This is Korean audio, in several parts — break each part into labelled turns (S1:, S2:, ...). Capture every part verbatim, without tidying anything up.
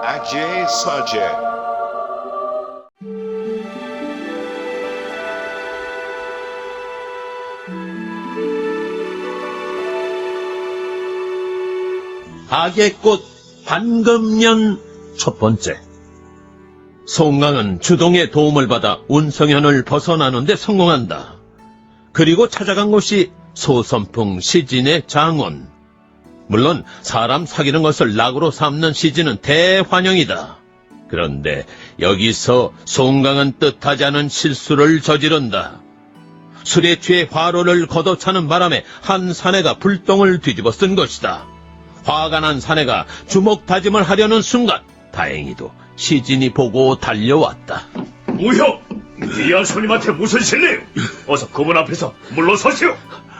S1: Ajay Sajay.
S2: 악의 꽃 반금년 첫 번째. 송강은 주동의 도움을 받아 운성현을 벗어나는 데 성공한다. 그리고 찾아간 곳이 소선풍 시진의 장원. 물론 사람 사귀는 것을 낙으로 삼는 시진은 대환영이다. 그런데 여기서 송강은 뜻하지 않은 실수를 저지른다. 술에 취해 화로를 걷어차는 바람에 한 사내가 불똥을 뒤집어 쓴 것이다. 화가 난 사내가 주먹 다짐을 하려는 순간 다행히도 시진이 보고 달려왔다.
S3: 무형! 귀한 손님한테 무슨 실례요? 어서 그분 앞에서 물러서시오!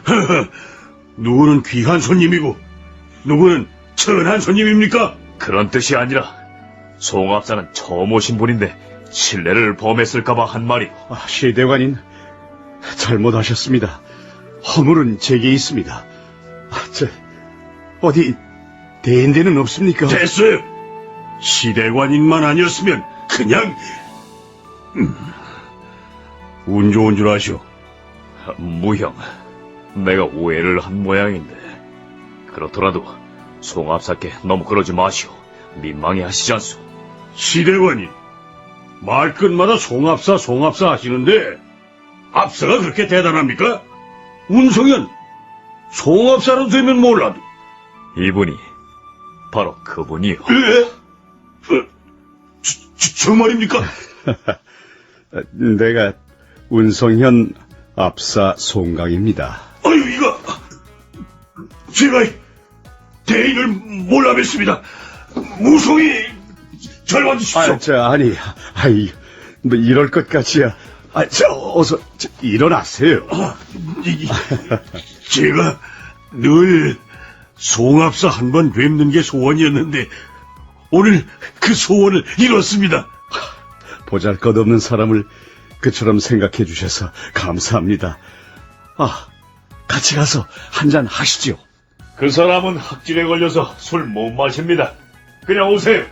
S4: 누구는 귀한 손님이고 누구는 천한 손님입니까?
S3: 그런 뜻이 아니라 송합사는 처음 오신 분인데 신뢰를 범했을까봐 한 말이오.
S4: 아, 시대관인 잘못하셨습니다. 허물은 제게 있습니다. 아, 저 어디 대인대는 없습니까? 됐어요. 시대관인만 아니었으면 그냥 음, 운 좋은 줄 아시오.
S3: 무형, 내가 오해를 한 모양인데 그렇더라도 송합사께 너무 그러지 마시오. 민망해 하시지 않소.
S4: 시대관인 말끝마다 송합사 송합사 하시는데 합사가 그렇게 대단합니까? 운송현 송합사로 되면 몰라도
S3: 이분이 바로 그분이요.
S4: 예? 어, 저, 저, 저 말입니까?
S5: 내가 운성현 압사 송강입니다.
S4: 아유, 이거 제가 대인을 몰라 뵀습니다. 무송이 잘 와주십시오.
S5: 아, 저, 아니, 아이, 뭐 이럴 것까지야. 아, 저, 어서, 저, 일어나세요.
S4: 아, 이, 제가 늘 송합사 한 번 뵙는 게 소원이었는데 오늘 그 소원을 이뤘습니다.
S5: 보잘것없는 사람을 그처럼 생각해 주셔서 감사합니다. 아, 같이 가서 한잔 하시죠.
S3: 그 사람은 학질에 걸려서 술 못 마십니다. 그냥 오세요.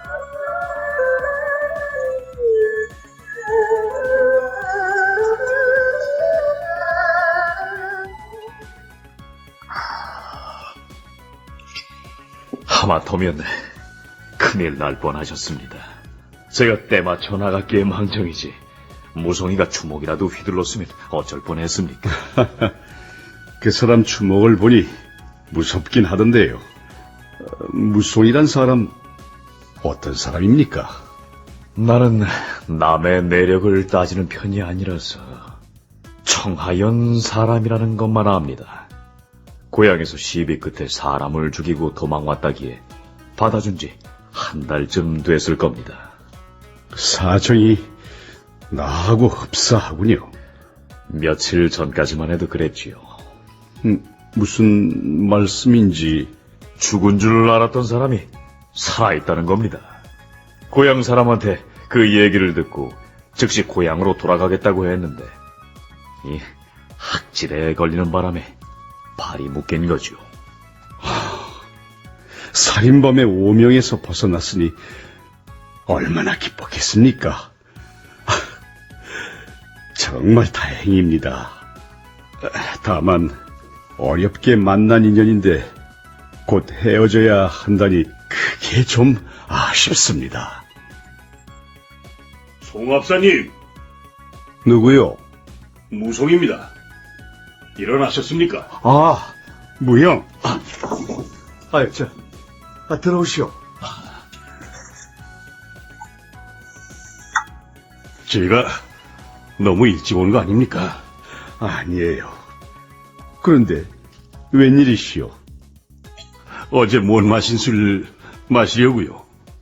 S3: 하마터면 큰일 날 뻔하셨습니다. 제가 때맞춰 나갔기에 망정이지 무송이가 주먹이라도 휘둘렀으면 어쩔 뻔했습니까?
S5: 그 사람 주먹을 보니 무섭긴 하던데요. 어, 무송이란 사람 어떤 사람입니까?
S3: 나는 남의 내력을 따지는 편이 아니라서 청하연 사람이라는 것만 압니다. 고향에서 시비 끝에 사람을 죽이고 도망왔다기에 받아준 지 한 달쯤 됐을 겁니다.
S5: 사정이 나하고 흡사하군요.
S3: 며칠 전까지만 해도 그랬지요.
S5: 음, 무슨 말씀인지.
S3: 죽은 줄 알았던 사람이 살아있다는 겁니다. 고향 사람한테 그 얘기를 듣고 즉시 고향으로 돌아가겠다고 했는데 이 학질에 걸리는 바람에 발이 묶인 거죠.
S5: 살인범의 오명에서 벗어났으니 얼마나 기뻤겠습니까? 정말 다행입니다. 다만 어렵게 만난 인연인데 곧 헤어져야 한다니 그게 좀 아쉽습니다.
S4: 송합사님,
S5: 누구요?
S4: 무송입니다. 일어나셨습니까?
S5: 아, 무형. 아, 아유, 저, 아, 들어오시오.
S4: 제가 너무 일찍 온 거 아닙니까?
S5: 아니에요. 그런데 웬일이시오?
S4: 어제 못 마신 술 마시려고요.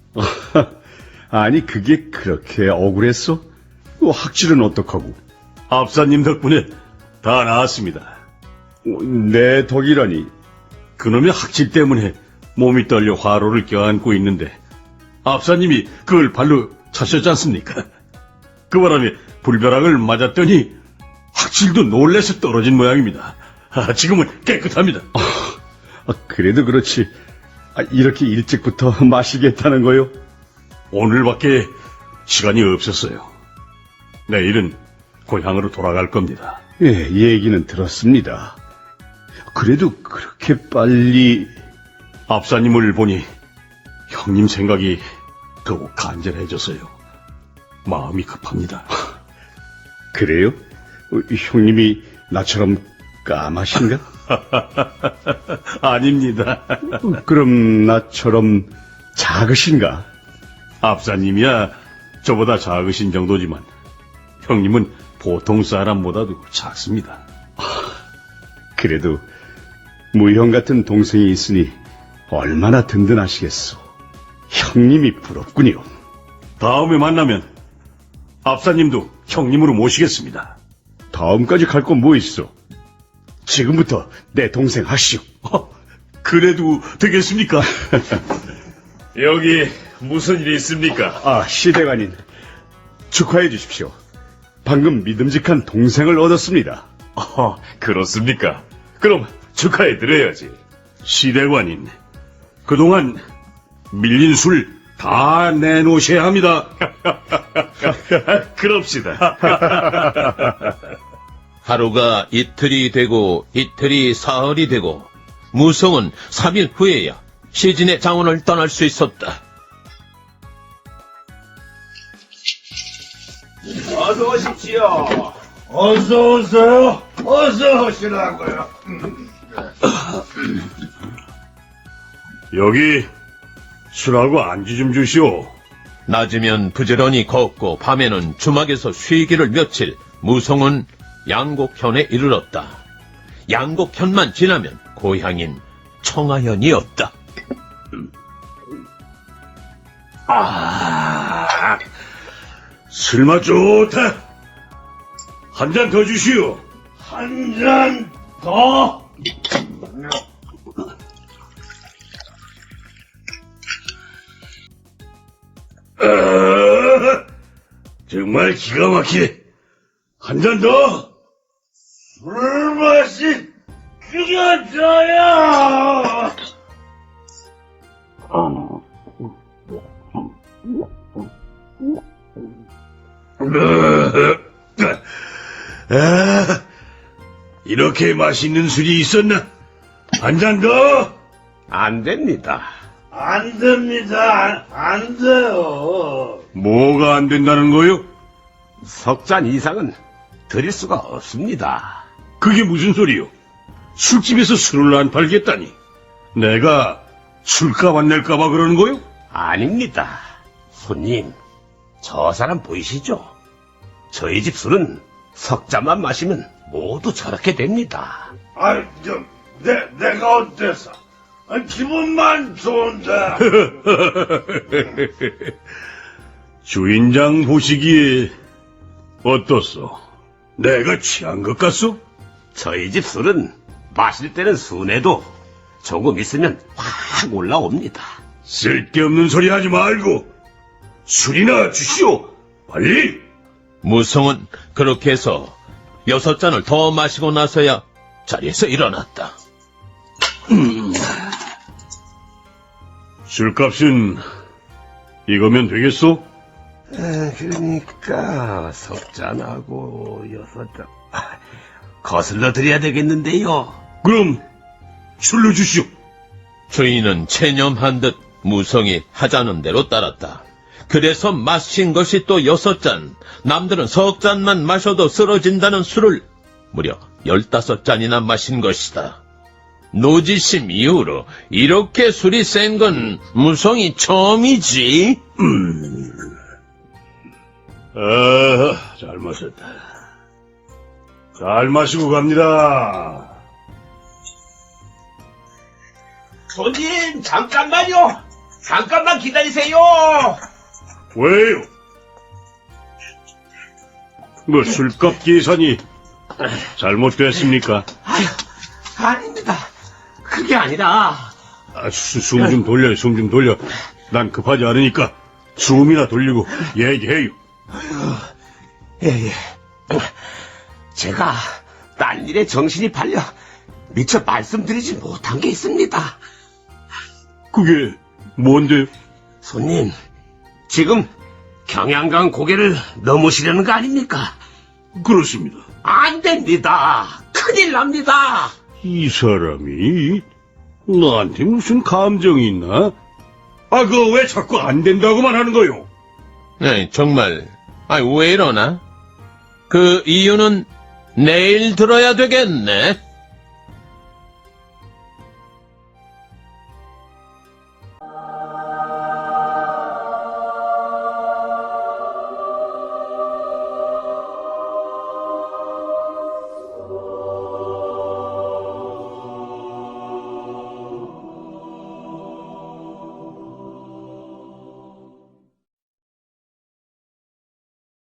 S5: 아니, 그게 그렇게 억울했어? 어, 학질은 어떡하고?
S4: 압사님 덕분에 다 나았습니다.
S5: 어, 내 덕이라니.
S4: 그놈의 학질 때문에 몸이 떨려 화로를 껴안고 있는데 압사님이 그걸 발로 차셨지 않습니까? 그 바람에 불벼락을 맞았더니 학질도 놀래서 떨어진 모양입니다. 아, 지금은 깨끗합니다.
S5: 아, 그래도 그렇지. 아, 이렇게 일찍부터 마시겠다는 거요?
S4: 오늘밖에 시간이 없었어요. 내일은 고향으로 돌아갈 겁니다.
S5: 예, 얘기는 들었습니다. 그래도 그렇게 빨리...
S4: 압사님을 보니 형님 생각이 더욱 간절해져서요. 마음이 급합니다.
S5: 그래요? 어, 형님이 나처럼 까마신가?
S4: 아닙니다.
S5: 어, 그럼 나처럼 작으신가?
S4: 압사님이야 저보다 작으신 정도지만 형님은 보통 사람보다도 작습니다.
S5: 그래도 무형 같은 동생이 있으니 얼마나 든든하시겠소. 형님이 부럽군요.
S4: 다음에 만나면 압사님도 형님으로 모시겠습니다.
S5: 다음까지 갈 건 뭐 있어? 지금부터 내 동생 하시오.
S4: 어, 그래도 되겠습니까?
S3: 여기 무슨 일이 있습니까?
S5: 아, 시대관님. 축하해 주십시오. 방금 믿음직한 동생을 얻었습니다.
S3: 어, 그렇습니까? 그럼 축하해드려야지.
S4: 시대관인, 그동안 밀린 술 다 내놓으셔야 합니다.
S3: 그럽시다.
S2: 하루가 이틀이 되고 이틀이 사흘이 되고 무성은 삼 일 후에야 시진의 장원을 떠날 수 있었다.
S1: 어서 오십시오. 어서 오세요. 어서 오시라고요.
S4: 여기 술하고 안주 좀 주시오.
S2: 낮이면 부지런히 걷고 밤에는 주막에서 쉬기를 며칠 무성은 양곡현에 이르렀다. 양곡현만 지나면 고향인 청하현이었다.
S4: 아, 술맛 좋다. 한 잔 더 주시오.
S1: 한 잔 더.
S4: 아, 정말 기가 막히네. 한 잔 더.
S1: 술맛이 죽여줘요.
S4: 아, 이렇게 맛있는 술이 있었나? 한 잔 더.
S1: 안 됩니다. 안 됩니다. 안 돼요.
S4: 뭐가 안 된다는 거요?
S1: 석 잔 이상은 드릴 수가 없습니다.
S4: 그게 무슨 소리요? 술집에서 술을 안 팔겠다니. 내가 술값 안 낼까봐 그러는 거요?
S1: 아닙니다. 손님, 저 사람 보이시죠? 저희 집 술은 석 잔만 마시면 모두 저렇게 됩니다. 아, 저, 내, 내가 어때서? 아, 기분만 좋은데.
S4: 주인장 보시기에 어떻소? 내가 취한 것 같소?
S1: 저희 집 술은 마실 때는 순해도 조금 있으면 확 올라옵니다.
S4: 쓸데없는 소리 하지 말고 술이나 주시오. 빨리.
S2: 무성은 그렇게 해서 여섯 잔을 더 마시고 나서야 자리에서 일어났다.
S4: 술값은 이거면 되겠소?
S1: 그러니까 석 잔하고 여섯 잔 거슬러 드려야 되겠는데요.
S4: 그럼 술로 주시오.
S2: 주인은 체념한 듯 무성이 하자는 대로 따랐다. 그래서 마신 것이 또 여섯 잔, 남들은 석 잔만 마셔도 쓰러진다는 술을 무려 열다섯 잔이나 마신 것이다. 노지심 이후로 이렇게 술이 센 건 무성이 처음이지.
S4: 아, 잘 마셨다. 잘 마시고 갑니다.
S1: 손님, 잠깐만요. 잠깐만 기다리세요.
S4: 왜요? 뭐 술값 계산이 잘못됐습니까?
S1: 아유, 아닙니다. 그게 아니라
S4: 아, 숨 좀 돌려요, 숨 좀 돌려. 난 급하지 않으니까 숨이나 돌리고 얘기해요.
S1: 예, 예. 제가 딴 일에 정신이 팔려 미처 말씀드리지 못한 게 있습니다.
S4: 그게 뭔데요?
S1: 손님, 지금 경양강 고개를 넘으시려는 거 아닙니까?
S4: 그렇습니다.
S1: 안 됩니다. 큰일 납니다.
S4: 이 사람이 나한테 무슨 감정이 있나? 아, 그거 왜 자꾸 안 된다고만 하는 거요?
S2: 네, 정말. 아, 왜 이러나? 그 이유는 내일 들어야 되겠네.